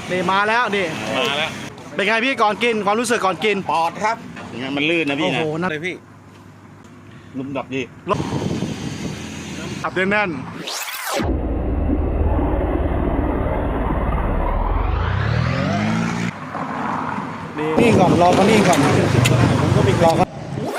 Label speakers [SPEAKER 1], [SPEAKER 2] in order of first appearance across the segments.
[SPEAKER 1] นี่มาแล้วนี่
[SPEAKER 2] มาแล้ว
[SPEAKER 1] เป็นไงพี่ก่อนกินความรู้สึกก่อนกิน
[SPEAKER 2] ปอดครับอย่างนั้นมันลื่นนะพี่นะ
[SPEAKER 1] โอ้โหนะ
[SPEAKER 2] เลยพี่ลุ่มดับดี
[SPEAKER 1] ขับแน่นนี่ก่อนรอเขานี่ก่อนผมก็มีรอเขา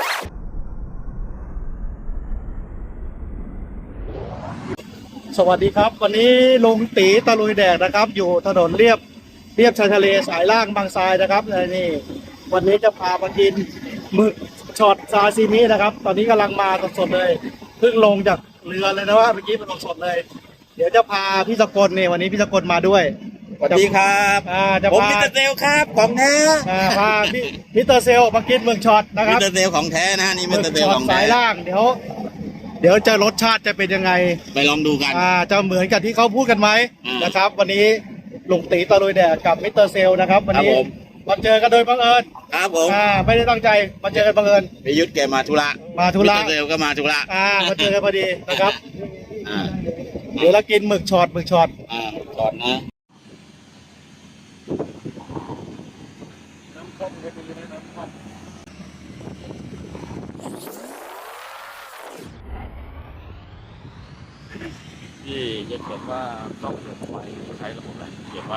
[SPEAKER 1] สวัสดีครับวันนี้ลุงตีตะลุยแดดนะครับอยู่ถนนเรียบชายทะเลสายล่างบางทรายนะครับนี่วันนี้จะพามากินหมึกช็อตซาซิมินะครับตอนนี้กำลังมาสดๆเลยเพิ่งลงจากเรือเลยนะว่าเมื่อกี้มันสดๆเลยเดี๋ยวจะพาพี่สกลเนี่ยวันนี้พี่สกลมาด้วย
[SPEAKER 2] สวัสดีครับผมมิสเตอร์เซลครับของแท้
[SPEAKER 1] พาพี่มิสเตอร์เซลมากินหมึกช็อตนะครับ
[SPEAKER 2] มิสเตอร์เซลของแท้นะนี่มิสเตอร์เซลของแท้
[SPEAKER 1] สายล่างเดี๋ยวจะรสชาติจะเป็นยังไง
[SPEAKER 2] ไปลองดูกัน
[SPEAKER 1] จะเหมือนกับที่เขาพูดกันไหมนะครับวันนี้ลุงตีตะลุยแดดกับมิสเตอร์เซลนะครับวันนี้มาเจอกันโดยบังเอิญ
[SPEAKER 2] ครับผม
[SPEAKER 1] ไม่ได้ตั้งใจมาเจอกันบังเอิญ
[SPEAKER 2] พิยุทธแกมาธุระ
[SPEAKER 1] มิสเตอ
[SPEAKER 2] ร์เซลก็มาธุระ
[SPEAKER 1] มาเจอกันพอดีนะครับเดี๋ยวเรากินหมึกช็อต
[SPEAKER 2] ช็อตนะที่จะเขียนว่าต้องเขียนไว้ใช้ระบบอะไรเขียนว่า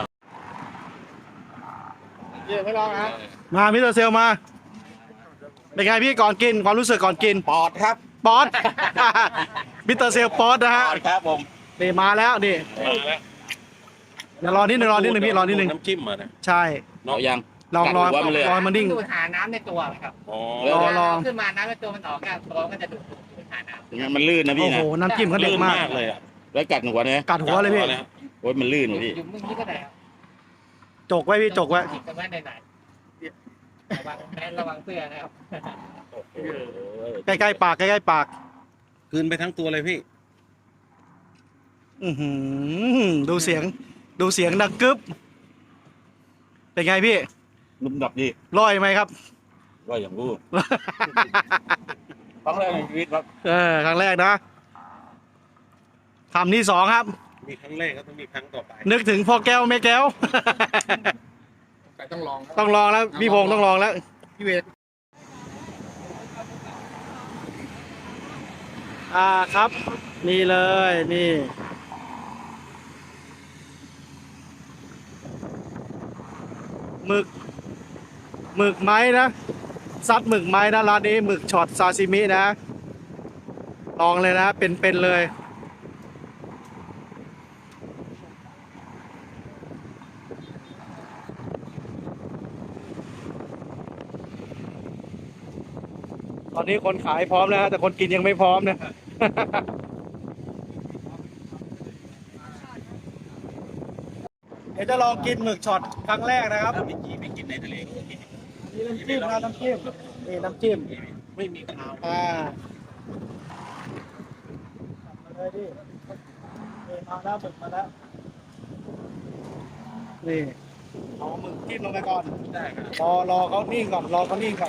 [SPEAKER 1] ไม่ลองนะมามิสเตอร์เซลมาเป็นไงพี่ก่อนกินความรู้สึกก่อนกิน
[SPEAKER 2] ปอดครับ
[SPEAKER 1] ปอดมิสเตอร์เซลปอดนะฮะ
[SPEAKER 2] ครับผม
[SPEAKER 1] นี่มาแล้วนี่เดี๋ยวรอนิดนึงพี่รอนิดนึง
[SPEAKER 2] น้ำจิ้มมาเนี่ย
[SPEAKER 1] ใช่
[SPEAKER 2] เนาะยัง
[SPEAKER 1] ลองมันนิ่ง
[SPEAKER 3] ดูดหาน้ำในตัวครับ
[SPEAKER 1] รอ
[SPEAKER 3] ขึ้นมาน้ำในตัวมันออกกันตัวมันจะดูดหาน้ำ
[SPEAKER 2] อย่างนั้นมันลื่นนะพี่นะ
[SPEAKER 1] โอ้โหน้ำจิ้มเขาเด็ดมาก
[SPEAKER 2] เลยแล้วกัดหัวเนี่ย
[SPEAKER 1] กัดหัวเลยพี่
[SPEAKER 2] โอ้ยมันลื่นพี่
[SPEAKER 3] อยู่มึงนี่ก็ได้
[SPEAKER 1] จกไว้พี่จกไว้
[SPEAKER 3] จะไม่ไหนระวังเสื้อนะครับ
[SPEAKER 1] ใกล้ๆปาก
[SPEAKER 2] คืนไปทั้งตัวเลยพี่
[SPEAKER 1] ดูเสียงดังกึ๊บเป็นไงพี่
[SPEAKER 2] ลุ่มดับดี
[SPEAKER 1] ร่อยไหมครับ
[SPEAKER 2] ร่อยอย่างรู้ครั้งแรกในชีวิตครับ
[SPEAKER 1] ครั้งแรกนะคำที่2ครับ
[SPEAKER 2] มีครั้งแรกก็ต้องมีครั้งต่อไป
[SPEAKER 1] นึกถึงพ่อแก้วแม่แก้ว
[SPEAKER 3] ต้องลอง
[SPEAKER 1] แล้วพี่พงษ์ต้องลองแล้วพี่เวทครับนี่เลยนี่หมึกไม้นะซัดหมึกไม้นะร้านนี้หมึกช็อตซาซิมินะลองเลยนะเป็นเลยตอนนี้คนขายพร้อมแล้วแต่คนกินยังไม่พร้อมนะเดี๋ยวจะลองกินหมึกช็อตครั้งแรกนะครับ
[SPEAKER 2] ไม่กินในทะเล
[SPEAKER 1] นี่น้ำจิ้ม
[SPEAKER 2] ไม่มีข้าว
[SPEAKER 1] เลยดิมาแล้วหมึกมาแล้วนี่เอาหมึกจิ้มลงไปก่อน
[SPEAKER 2] ได้ครับ
[SPEAKER 1] รอเขานิ่งก่อนรอเขานิ่งก่อน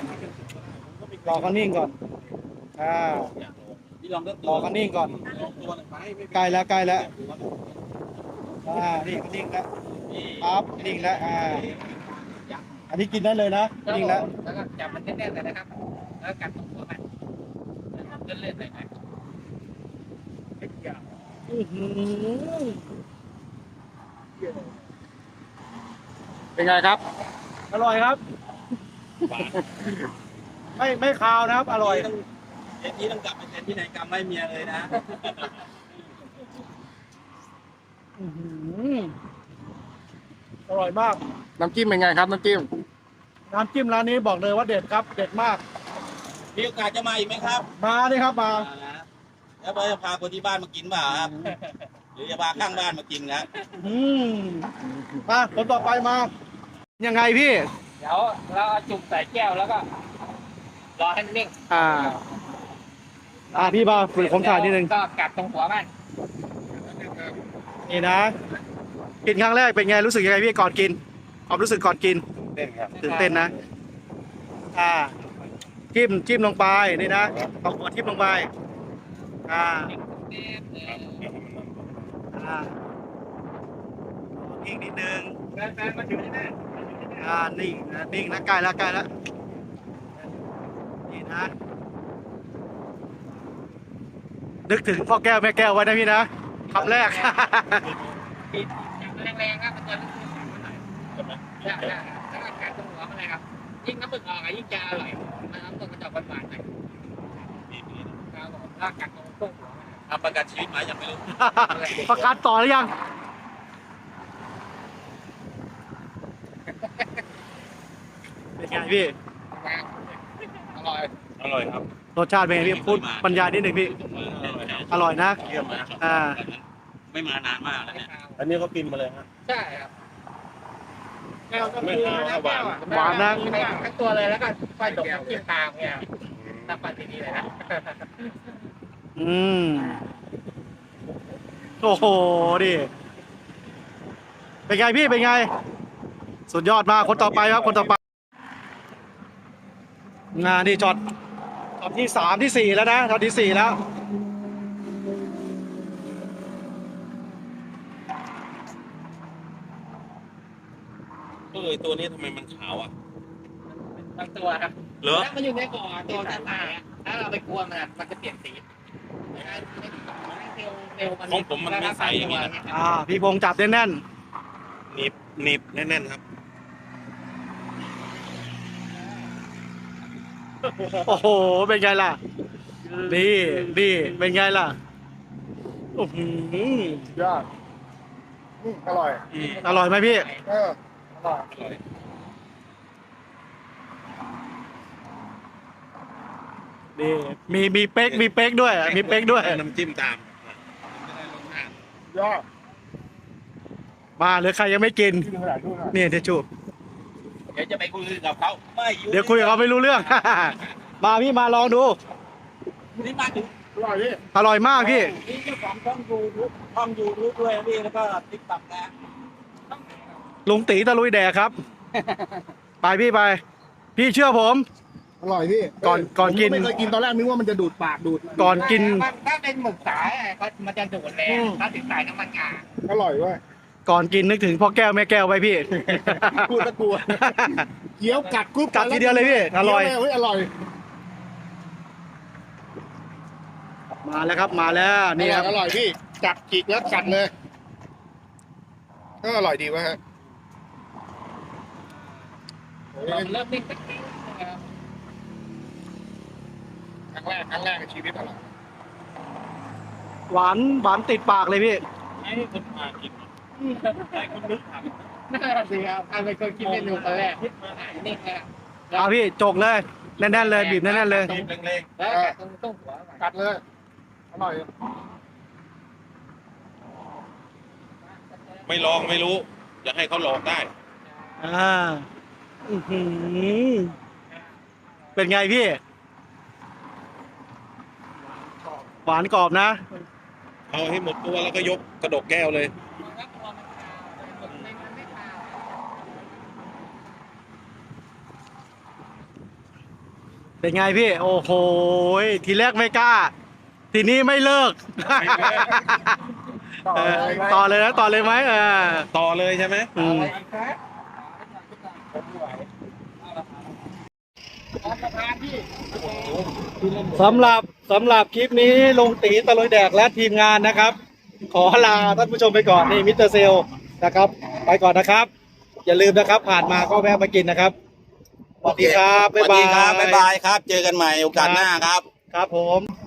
[SPEAKER 2] พี่ลองก็
[SPEAKER 1] รอเขานิ่งก่อนใกล้แล้วนี่นิ่งแล้วครับนิ่งแล้วอันนี้กินได้เลยนะนิ่งแล้ว
[SPEAKER 3] ก็จับมันแน่นๆเลยนะครับแล้วกัดตรงหัวมันเลื่อนๆเลยนะ
[SPEAKER 1] เป็นไงครับอร่อยครับไม่คาวนะครับอร่อย
[SPEAKER 2] อย่างนี้ต้องกลับไปเซ็นที่ไหนกรรมไม่เมียเลยนะ
[SPEAKER 1] อร่อยมาก
[SPEAKER 3] น้ำจิ้มเป็นไงครับน้ำจิ้ม
[SPEAKER 1] ร้านนี้บอกเลยว่าเด็ดครับเด็ดมาก
[SPEAKER 2] มีโอกาสจะมาอีกไหมครับ
[SPEAKER 1] มาดิครับมา
[SPEAKER 2] แล้วจะพาคนที่บ้านมากินเปล่าครับหรือจะพาข้างบ้านมากินนะ
[SPEAKER 1] มาคนต่อไปมายังไงพี่
[SPEAKER 3] เดี๋ยวเราจุ่มใส่แก้วแล้วก็รอให้มันนิ่ง
[SPEAKER 1] พี่มาฝึกผมถ่ายนิดนึง
[SPEAKER 3] ก็กัดตรงหัวมัน
[SPEAKER 1] นี่นะกินครั้งแรกเป็นไงรู้สึกยังไงพี่ก่อนกินความรู้สึกก่อนกินตื่นเต้นนะจิ้มลงไปนี่นะเอาหัวทิ่มลงไปอีกนิดนึง
[SPEAKER 3] แฟนมาอยู่ที่นี่
[SPEAKER 1] นิ่งนะนิ่งนะใกล้แล้วใกล้แล้วนี่นะนึกถึงพ่อแก้วแม่แก้วไว้นะพี่นะคำแรก
[SPEAKER 3] ปีนแรงๆครับมันจะรู้สึกหวานหน่อยใช่แล้วก็การตรงหัวมันเลยครับยิ่งน้ำมึกออกยิ่งจะอร่อยน้ำตกมันจะหวานๆหน่อยครับผมถ้ากัดตรงต้นหัวมัน
[SPEAKER 2] ทำประกันชีวิตมายังไม่รู้
[SPEAKER 1] ประกันต่อหรือยัง เป็นไงพี่
[SPEAKER 3] อร่อย
[SPEAKER 2] อร่อยครับ
[SPEAKER 1] รสชาติเป็นไงพี่พูดบรรยายนิดหนึ่งพี่ อร่อยนะ
[SPEAKER 2] เยี่ยมนะ ไม่มานานมากแล้วเนี่ย
[SPEAKER 4] อันนี้ก็กินมาเลยฮะ
[SPEAKER 3] ใช่ครับแก้วก็
[SPEAKER 4] ไม่
[SPEAKER 3] คือ
[SPEAKER 4] ขาวหวาน
[SPEAKER 1] หวานนะ
[SPEAKER 3] ทั้งตัวเลยแล้วก็ไฟดกน้ำจิ้มตามเนี่ยน้ำปลาดีๆเลยนะ
[SPEAKER 1] อืมโอ้โหดิเป็นไงพี่เป็นไง สุดยอดมากคนต่อไปครับคนต่อไปงานนี่จอดที่สามที่สี่แล้วนะจอดที่สี่แล้ว
[SPEAKER 2] ตัวนี้ทำไมมันขาวอ่ะ
[SPEAKER 3] บางตัวครับ
[SPEAKER 2] เหรอ
[SPEAKER 3] ถ้ามันอยู่ในก่อตัวจะตายถ้าเราไปกลัวมันจะเปลี่ยนสีเซลล์
[SPEAKER 2] ของผมมันไม่ใสอย่างนี้นะ
[SPEAKER 1] พี่พงษ์จับแน่น
[SPEAKER 4] หนีบแน่นๆครับ
[SPEAKER 1] ๆโอ้โหเป็นไงล่ะดีเป็นไงล่ะโอ้โห
[SPEAKER 4] ยอดอร่อย
[SPEAKER 1] อร่อยไหมพี่
[SPEAKER 4] เออ
[SPEAKER 2] อร่อย
[SPEAKER 1] ดีมีเป๊กด้วยมีเป๊กด้วย
[SPEAKER 4] น้ำจิ้มตาม ยอด
[SPEAKER 1] มาหรือใครยังไม่กิน
[SPEAKER 4] ที่ดูขนาดดูหน่อย
[SPEAKER 1] นี่เดี๋ยวจูบ
[SPEAKER 2] เดี๋ยวจะไปคุยกับเขาไม่อยู่
[SPEAKER 1] เดี๋ยวคุยกับเขาไม่รู้เรื่อง มาพี่มาลองดู
[SPEAKER 2] นี่มาถึง
[SPEAKER 4] อร่อยพี่
[SPEAKER 1] อร่อยมากพี่
[SPEAKER 2] นี่เจ้าของช่องยูทูบด้วยพี่แล้วก็ติ๊กต็อกนะ
[SPEAKER 1] ลุงตีตะลุยแดกครับ ไปพี่ไป พี่เชื่อผม
[SPEAKER 4] อร่อยพี่
[SPEAKER 1] ก่อนกิน
[SPEAKER 4] ผมไม่เคยกินตอนแรกนึกว่ามันจะดูดปากดูด
[SPEAKER 1] ก่อนกิน
[SPEAKER 3] ถ้าเป็นหมึกสายก็มันจะดูดแรงถ้าติดสายน้ำมันงา
[SPEAKER 4] อร่อยเว้ย
[SPEAKER 1] ก่อนกินนึกถึงพ่อแก้วแม่แก้วไว้พี่
[SPEAKER 4] พูดตะกลัวเคี้ยวกัดกรุบ
[SPEAKER 1] กัดทีเดียวเลยพี่อร่อย
[SPEAKER 4] เคี้วเลเฮ้ยอร่อย
[SPEAKER 1] มาแล้วครับมาแล้วนี่ครับ
[SPEAKER 4] อร่อยพี่จับจิกแล้วกัดเลยก็อร่อยดีวะฮะ
[SPEAKER 3] เริ่มนิ่งสักนิดนะครับ
[SPEAKER 4] ครั้งแรกในชีวิตอร่อย
[SPEAKER 1] หวานติดปากเลยพี่
[SPEAKER 2] ให้คนมากินให้คนนึกถาม
[SPEAKER 3] น่าสิครับใครเป็นคนคิดเมนูตอนแรกนิ่งเลย
[SPEAKER 1] เอาพี่จกเลยแน่นๆเลยบีบแน่นๆเลย
[SPEAKER 2] บีบแรง
[SPEAKER 3] แล้วตรงต้นหัว
[SPEAKER 4] กัดเลยอร่อย
[SPEAKER 2] ๆไม่ลองไม่รู้อยากให้เขาลองได้
[SPEAKER 1] อื้อหือเป็นไงพี่ หวานกรอบนะ
[SPEAKER 2] เอาให้หมดตัวแล้วก็ยกกระดกแก้วเลย
[SPEAKER 1] เป็นไงพี่ โอ้โหทีแรกไม่กล้า ทีนี้ไม่เลิก ต่อเลยนะต่อเลยไหม
[SPEAKER 2] ต่อเลยใช่ไหม
[SPEAKER 1] อืมสำหรับคลิปนี้ลงตีตะลุยแดกและทีมงานนะครับ ขอลาท่านผู้ชมไปก่อนนี่มิสเตอร์เซลนะครับ ไปก่อนนะครับ อย่าลืมนะครับ ผ่านมาก็แวะมากินนะครับสวัสดีครับ
[SPEAKER 2] สวัสดีครับบ๊ายบายครับ เจอกันใหม่โอกาสหน้าครับ
[SPEAKER 1] ครับผม